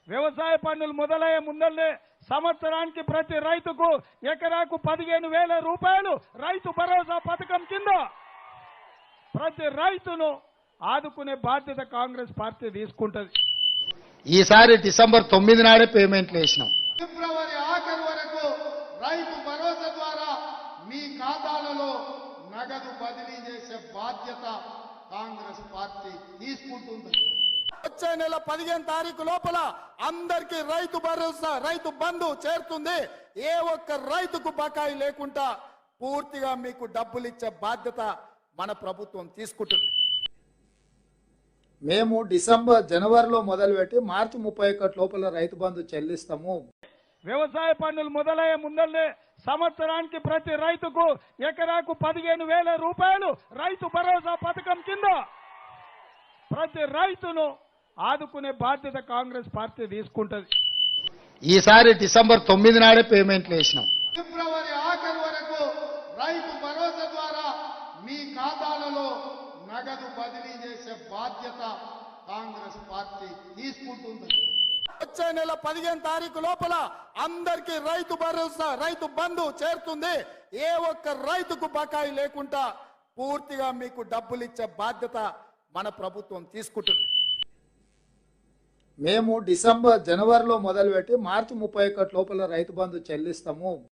వ్యవసాయ పన్నులు మొదలయ్యే ముందల్లే సంవత్సరానికి ప్రతి రైతుకు ఎకరాకు 15,000 రూపాయలు రైతు భరోసా పథకం కింద ప్రతి రైతును ఆదుకునే బాధ్యత కాంగ్రెస్ పార్టీ తీసుకుంటది. ఈసారి డిసెంబర్ 9 నాడే పేమెంట్లు వేసినాం. ఫిబ్రవరి ఆఖరు వరకు రైతు భరోసా ద్వారా మీ ఖాతాలలో నగదు బదిలీ చేసే బాధ్యత కాంగ్రెస్ పార్టీ తీసుకుంటుంది. వచ్చే నెల 15 తారీఖు లోపల అందరికీ రైతు భరోసా రైతు బంధు చేరుతుంది. ఏ ఒక్క రైతుకు బకాయి లేకుండా పూర్తిగా మీకు డబ్బులు ఇచ్చే బాధ్యత మన ప్రభుత్వం తీసుకుంటుంది. మేము జనవరిలో మొదలుపెట్టి మార్చి 31 లోపల రైతు బంధు చెల్లిస్తాము. వ్యవసాయ పన్నులు మొదలయ్యే ముందల్లే సంవత్సరానికి ప్రతి రైతుకు ఎకరాకు 15,000 రూపాయలు రైతు భరోసా పథకం కింద ప్రతి రైతును ఆదుకునే బాధ్యత కాంగ్రెస్ పార్టీ తీసుకుంటది. ఈసారి డిసెంబర్ 9 నాడే పేమెంట్లు వేసినాం. ఫిబ్రవరి ఆఖరు వరకు రైతు భరోసా ద్వారా మీ ఖాతాలలో నగదు బదిలీ చేసే బాధ్యత కాంగ్రెస్ పార్టీ తీసుకుంటుంది. వచ్చే నెల 15 తారీఖు లోపల అందరికీ రైతు భరోసా రైతు బంధు చేరుతుంది. ఏ ఒక్క రైతుకు బకాయి లేకుండా పూర్తిగా మీకు డబ్బులు ఇచ్చే బాధ్యత మన ప్రభుత్వం తీసుకుంటుంది. మేము జనవరిలో మొదలుపెట్టి మార్చి 31 లోపల రైతు బంధు చెల్లిస్తాము.